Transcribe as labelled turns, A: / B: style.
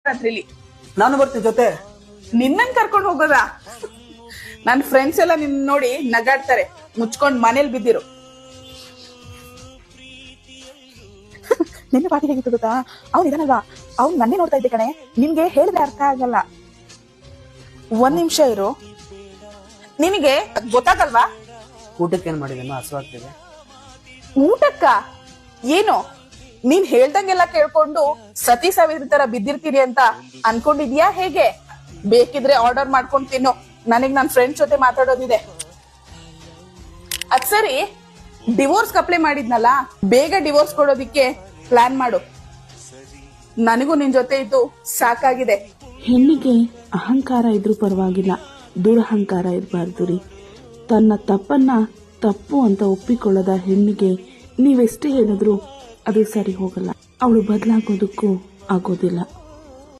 A: ರಾತ್ರಿಲಿ
B: ನಾನು ಬರ್ತೀನಿ ಜೊತೆ.
A: ನಿನ್ನನ್ ಕರ್ಕೊಂಡು ಹೋಗೋದ? ನನ್ ಫ್ರೆಂಡ್ಸ್ ಎಲ್ಲ ನಿನ್ ನೋಡಿ ನಗಾಡ್ತಾರೆ. ಮುಚ್ಕೊಂಡ್ ಮನೇಲಿ ಬಿದ್ದಿರು.
C: ನಿನ್ನೆ ಪಾರ್ಟಿ ಹೇಗಿತ್ತು ಗೊತ್ತಾ? ಅವ್ನು ಇದನ್ನಲ್ವಾ, ಅವ್ನು ನನ್ನೇ ನೋಡ್ತಾ ಇದ್ದೆ ಕಣೆ. ನಿನ್ಗೆ ಹೇಳಿದ್ರೆ ಅರ್ಥ ಆಗಲ್ಲ.
A: ಒಂದ್ ನಿಮಿಷ ಇರು. ನಿನಗೆ ಗೊತ್ತಾಗಲ್ವಾ?
B: ಊಟಕ್ಕೆ ಏನ್ ಮಾಡಿದೇನೋ ಹಸುವಾಗ್ತಿದೆ.
A: ಊಟಕ್ಕ ಏನು? ನೀನ್ ಹೇಳ್ದಂಗೆಲ್ಲ ಕೇಳ್ಕೊಂಡು ಸತಿ ಸಾವಿರ ತರ ಬಿದ್ದಿರ್ತೀರಿ ಅಂತ ಅನ್ಕೊಂಡಿದ್ಯಾ ಹೇಗೆ? ಬೇಕಿದ್ರೆ ಆರ್ಡರ್ ಮಾಡ್ಕೊಂಡು ತಿನ್ನು. ನನಗ್ ನನ್ ಫ್ರೆಂಡ್ಸ್ ಜೊತೆ ಮಾತಾಡೋದಿದೆ. ಅದ್ ಸರಿ, ಡಿವೋರ್ಸ್ ಅಪ್ಲೈ ಮಾಡಿದ್ನಲ್ಲ, ಬೇಗ ಡಿವೋರ್ಸ್ ಕೊಡೋದಿಕ್ಕೆ ಪ್ಲಾನ್ ಮಾಡು. ನನಗೂ ನಿನ್ ಜೊತೆ ಇದ್ದು ಸಾಕಾಗಿದೆ.
D: ಹೆಣ್ಣಿಗೆ ಅಹಂಕಾರ ಇದ್ರೂ ಪರವಾಗಿಲ್ಲ, ದುರಹಂಕಾರ ಇರಬಾರ್ದು ರೀ. ತನ್ನ ತಪ್ಪನ್ನ ತಪ್ಪು ಅಂತ ಒಪ್ಪಿಕೊಳ್ಳದ ಹೆಣ್ಣಿಗೆ ನೀವೆಷ್ಟೇ ಹೇಳಿದ್ರು ಅದು ಸರಿ ಹೋಗಲ್ಲ. ಅವಳು ಬದಲಾಗೋದಕ್ಕೂ ಆಗೋದಿಲ್ಲ.